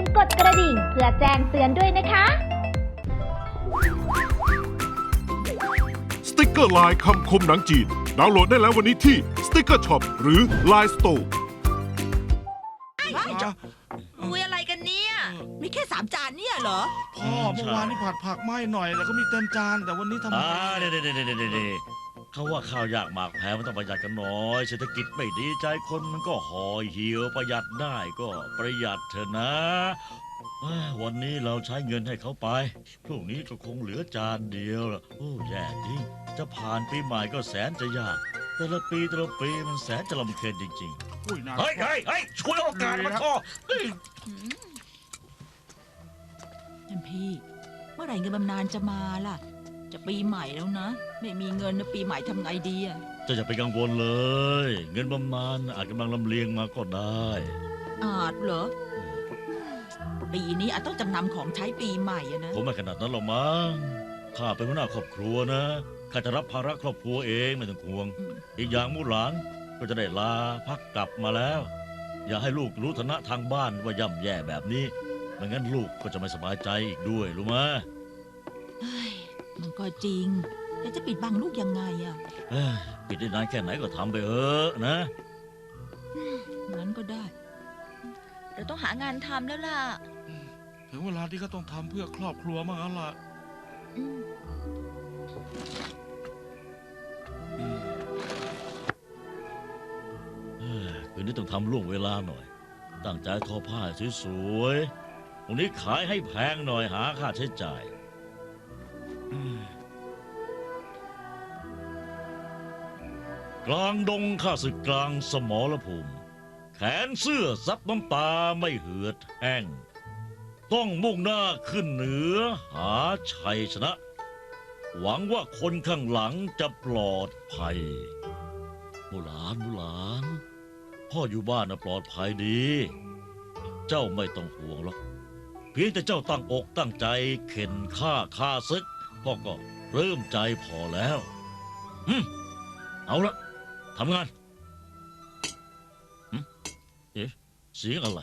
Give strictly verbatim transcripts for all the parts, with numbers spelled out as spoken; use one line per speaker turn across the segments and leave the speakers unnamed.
กดกระดิ่งเพื่อแจ้งเตือนด้วยนะคะ
สติกเกอร์ลายคำคมหนังจีนดาวน์โหลดได้แล้ววันนี้ที่ Sticker Shop หรือ ไลน์ Store
คุยอะไรกันเนี่ย
มีแค่สามจานเนี่ยเหรอ
พ่อเมื่อวานนี่ผัดผักไหม้หน่อยแล้วก็มีเต็มจานแต่วันนี้ทำไม
อ่าเด็ดเด็ดเด็ดเด็ดเขาว่าข้าวยากหมากแพงมันต้องประหยัดกันหน่อยเศรษฐกิจไม่ดีใจคนมันก็ห่อเหี่ยวประหยัดได้ก็ประหยัดเถอะนะเอ้ยวันนี้เราใช้เงินให้เขาไปพรุ่งนี้ก็คงเหลือจานเดียวละโอ้แย่จริงจะผ่านปีใหม่ก็แสนจะยากแต่ละปีแต่ละปีมันแสนจะลำเค็ญจริง
อุ้ยน่า
ๆเฮ้ยเฮ้ยเฮ้ยช่วยโอกาสมาพ่อเฮ้ย
ท่านพี่ เมื่อไหร่เงินบำนาญจะมาล่ะ จะปีใหม่แล้วนะ ไม่มีเงินนะปีใหม่ทำไงดีอะ
เจะอย่าไปกังวลเลย เงินบำนาญอาจกำลังลำเลียงมาก็ได้
อาจเหรอ ปีนี้อาจต้องจำนำของใช้ปีใหม่อะนะ
ผมไม่ขนาดนั้นหรอกมั้งข้าเป็นหัวหน้าครอบครัวนะข้าจะรับภาระครอบครัวเองไม่ต้องห่วง
อืม
อีกอย่างมู่หลานก็จะได้ลาพักกลับมาแล้ว อย่าให้ลูกรู้ฐานะทางบ้านว่าย่ำแย่แบบนี้ไม่งั้นลูกก็จะไม่สบายใจอีกด้วยรู้ไหม
เฮ้ยมันก็จริง แต่จะปิดบังลูกยังไงอะ
เอ้ยปิดได้นานแค่ไหนก็ทำไปเถอะนะ
งั้นก็ได้
เราต้องหางานทำแล้วล่ะ
ถึงเวลาที่เขาต้องทำเพื่อครอบครัวมั่งแล้วล่ะ
อืม
เอ้ยคืนนี้ต้องทำล่วงเวลาหน่อย ตั้งใจทอผ้าสวยๆวันนี้ขายให้แพงหน่อยหาค่าใช้จ่ายอืมกลางดงข้าศึกกลางสมรภูมิ แขนเสื้อซับน้ำตาไม่เหือดแห้ง ต้องมุ่งหน้าขึ้นเหนือหาชัยชนะ หวังว่าคนข้างหลังจะปลอดภัยบุหลานบุหลาน พ่ออยู่บ้านนะปลอดภัยดี เจ้าไม่ต้องห่วงหรอก เพียงแต่เจ้าตั้งอกตั้งใจเข็นฆ่าฆ่าศึกพ่อก็เริ่มใจพอแล้วอืมเอาละทำงานหึเอ๊ะเสียงอะไร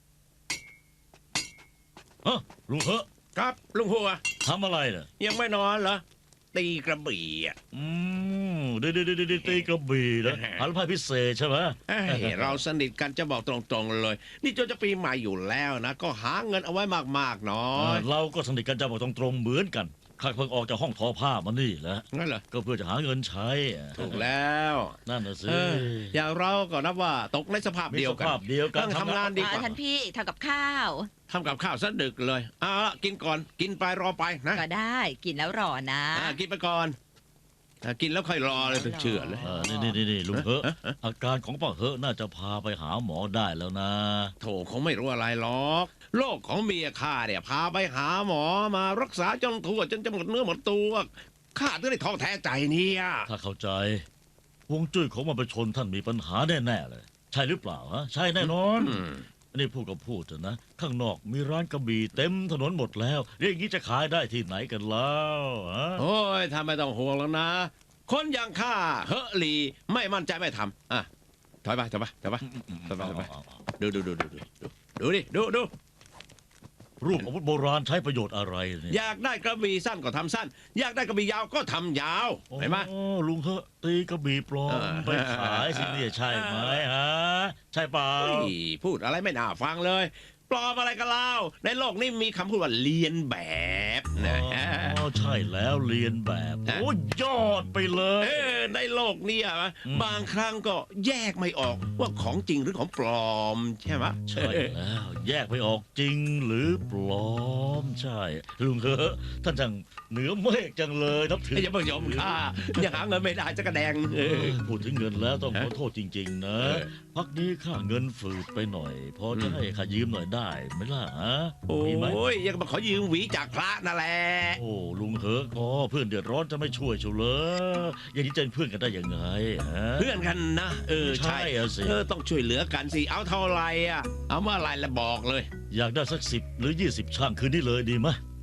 ฮะลุงเหอะ
ครับลุงหัว
ทำอะไรเนี่ย
ยังไม่นอนเหรอ ตีกระบี่อ่ะ
อืมดีดีดีดีตีกระบี่นะหันพายพิเศษใช่ไหม
เอ้ยเราสนิทกันจะบอกตรงๆเลย นี่จนจะปีใหม่อยู่แล้วนะ ก็หาเงินเอาไว้มากๆหน้อ
เออย เราก็สนิทกันจะบอกตรงๆเหมือนกันข้าเพิ่งออกจากห้องทอผ้ามานี่แหละ
งั้นเหรอ
ก็เพื่อจะหาเงินใช้
ถูกแล้ว
นั่นน่ะสิ
เอออย่างเราก็นับว่าตกในสภาพ
มี
เดียว
ส
กัน
ภาพเดียวกัน
ต้องทำงานดีก
อ่า
ว่า
ท่านพี่ทำกับข้าว
ทำกับข้าวซะดึกเลยเอาละกินก่อนกินไปรอไปนะ
ก็ได้กินแล้วรอนะ
อ่ากินไปก่อนอ่ากินแล้วค่อยรอเลยถึงเชื่อเลย
เออนี่นี่นี่นี่ลุงเหอะอาการของป้าเหอะน่าจะพาไปหาหมอได้แล้วนะ
โถคงไม่รู้อะไรหรอกโรคของเมียข้าเนี่ยพาไปหาหมอมารักษาจนทั่วจนจะหมดเนื้อหมดตัวข้าถึงได้ท้อแท้ใจเนี่ย
ถ้าเข้าใจฮวงจุ้ยของมันไปชนท่านมีปัญหาแน่ๆเลย ใช่หรือเปล่าฮะใช่แน่นอน
อืม
อันนี้พูดก็พูดเถอะนะ ข้างนอกมีร้านกระบี่เต็มถนนหมดแล้วเรื่องนี้จะขายได้ที่ไหนกันแล้วฮะ
โอ้ยทำไม่ต้องห่วงแล้วนะ คนอย่างข้าเฮอะหลีไม่มั่นใจไม่ทำอ่ะถอยไปถอยไปถอยไป ไปไปไป ดูดูดูดูดูดูดูดิดูดู
รูปอาวุธโบราณใช้ประโยชน์อะไรเนี่ย
อยากได้กระบี่สั้นก็ทำสั้น อยากได้กระบี่ยาวก็ทำยาวเห็นไหม
โอ้ลุงเหอะตีกระบี่ปลอม
เออ
ไปขายสิเนี่ยใช่ไหมฮะใช่เปล่า
เฮ้ยพูดอะไรไม่น่าฟังเลย ปลอมอะไรกันเล่าในโลกนี้มีคำพูดว่าเลียนแบบนะ
อ๋อใช่แล้วเรียนแบบ
ฮะ
โอ้ยอดไปเล
เอย อในโลกนี้อะ
อืม
บางครั้งก็แยกไม่ออกว่าของจริงหรือของปลอมใช่ไหม
ใช่แล้ว แยกไม่ออกจริงหรือปลอมใช่ ลุงเหอะท่านจังเหนือเมฆจังเลยนับถือ
อย่าเพิ่งยอมข้าอย่าหาเงินไม่ได้จะกระแดงเอ
เอ
อ
อพูดถึงเงินแล้วต้องขอโทษจริง ๆ นะ
เออ
พักนี้ข้าเงินฝืดไปหน่อย พอจะ
อืม
ให้ข้ายืมหน่อยได้ไหมล่ะฮะ
โอ
มีไหม้
ยยังมาขอยืมหวีจากพระนั่นแหละ
โอ้ลุงเหอะก็เพื่อนเดือดร้อนจะไม่ช่วยเฉยเลยอย่างนี้จะเป็นเพื่อนกันได้ยังไงฮะ
เพื่อนกันนะเออใช่
ใช่อะสิ
เออต้องช่วยเหลือกันสิเอาเท่าไหรอ่ะเอาเมื่อไหรแล้วบอกเลย
อยากได้สักสิบหรือยี่สิบช่างคืนนี้เลยดีไหม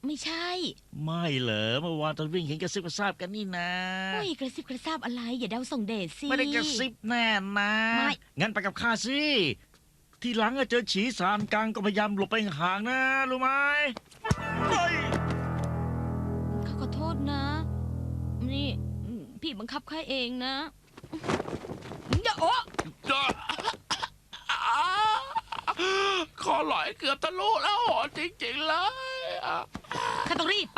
ไม่ใช่
ไม่เหรอเมื่อวานตอนวิ่งเห็นกระซิบกระซาบกันนี่นะ
โอ้ยกระซิบกระซาบอะไร อย่าเดาส่งเดชสิ
ไม่ได้กระซิบแน่นะ
ไม่
งั้นไปกับข้าสิ ทีหลังอะเจอฉีสารกลางก็พยายามหลบไปห่างๆนะ รู้ไหมเฮ้ย
ข้าขอโทษนะ นี่พี่บังคับข้าเองนะอย่าโอ้
จ้าคอหลอยเกือบทะลุแล้วโหจริงๆเลยอ่ะ
ข้าต้องรีบไป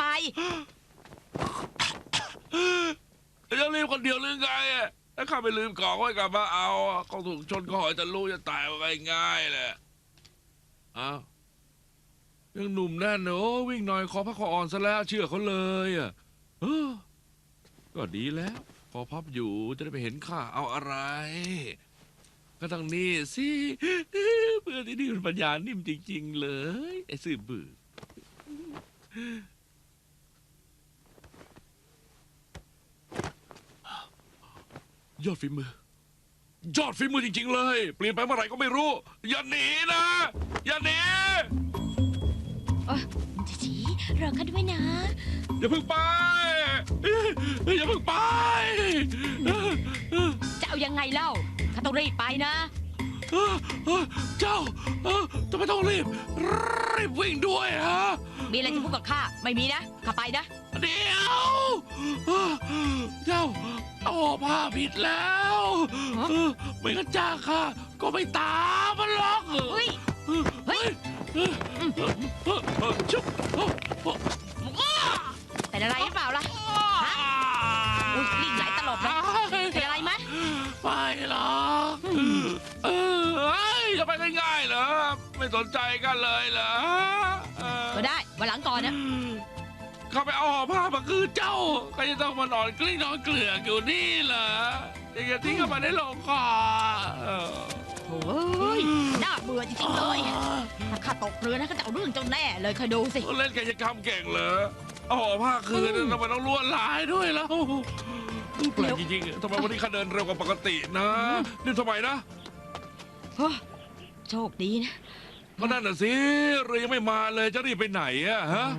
จะรีบคนเดียวหรือไงอะถ้าข้าไปลืมของไว้กลับมาเอาอะเขาถูกชนคอหอยทะลุจะตายไปง่ายๆแหละอ้าวยังหนุ่มแน่นเนอะวิ่งหน่อยคอพักคออ่อนซะแล้วเชื่อเขาเลยอ่ะเออก็ดีแล้วคอพับอยู่จะได้ไปเห็นข้าเอาอะไร ก็ต้องนี่สิเพื่อนที่นี่มันปัญญานิ่มจริงๆเลยไอ้ซื่อบื้อยอดฝีมือยอดฝีมือจริง ๆ เลย เปลี่ยนไปเมื่อไหร่ก็ไม่รู้ อย่าหนีนะ อย่าหนี
จีจีรอข้าด้วยนะ
อย่าเพิ่งไปอย่าเพิ่งไป
จะเอายังไงเล่า ข้าต้องรีบไปนะ
เจ้าทำไมต้องรีบรีบวิ่งด้วยฮะ
มีอะไรจะพูดกับข้า ไม่มีนะ ข้าไปนะ
เดี๋ยวเจ้าเอาผ้าผิดแล้ว
ฮะ
ไม่งั้นจ้าค่ะ ก็ไม่ตามมันหรอก
เฮ้ย เฮ้ย
ชุบ
เป็นอะไรหรือเปล่าล่ะ ฮะ อุ้ยวิ่งไหลตลบเลยเป็นอะไรไหม
ไม่หรอกเออเฮ้ยจะไปง่ายๆเหรอ ไม่สนใจกันเลยเหรอเออ
ก็ได้วันหลังก่อนนะ
เข้าไปเอาห่อผ้ามาคือเจ้าก็จะต้องมานอนกลิ้งนอนเกลือกอยู่นี่เหรอยังจะทิ้งเข้ามาในโลงคอเออ
โอ้ยน่าเบื่อจริงๆเลย ถ้าข้าตกเรือนะก็จะเอาเรื่องเจ้าแน่เลยคอยดูสิ
เล่นกายกรรมเก่งเหรอเอาห่อผ้าคืนทำไมต้องลวดลายด้วยแล้วแปลกจริงๆทำไมวันนี้ข้าเดินเร็วกว่าปกตินะนี่ทำไมนะ
โอ้โชคดีนะ
ก็นั่นน่ะสิเรือยังไม่มาเลยจะรีบไปไหนอะฮะ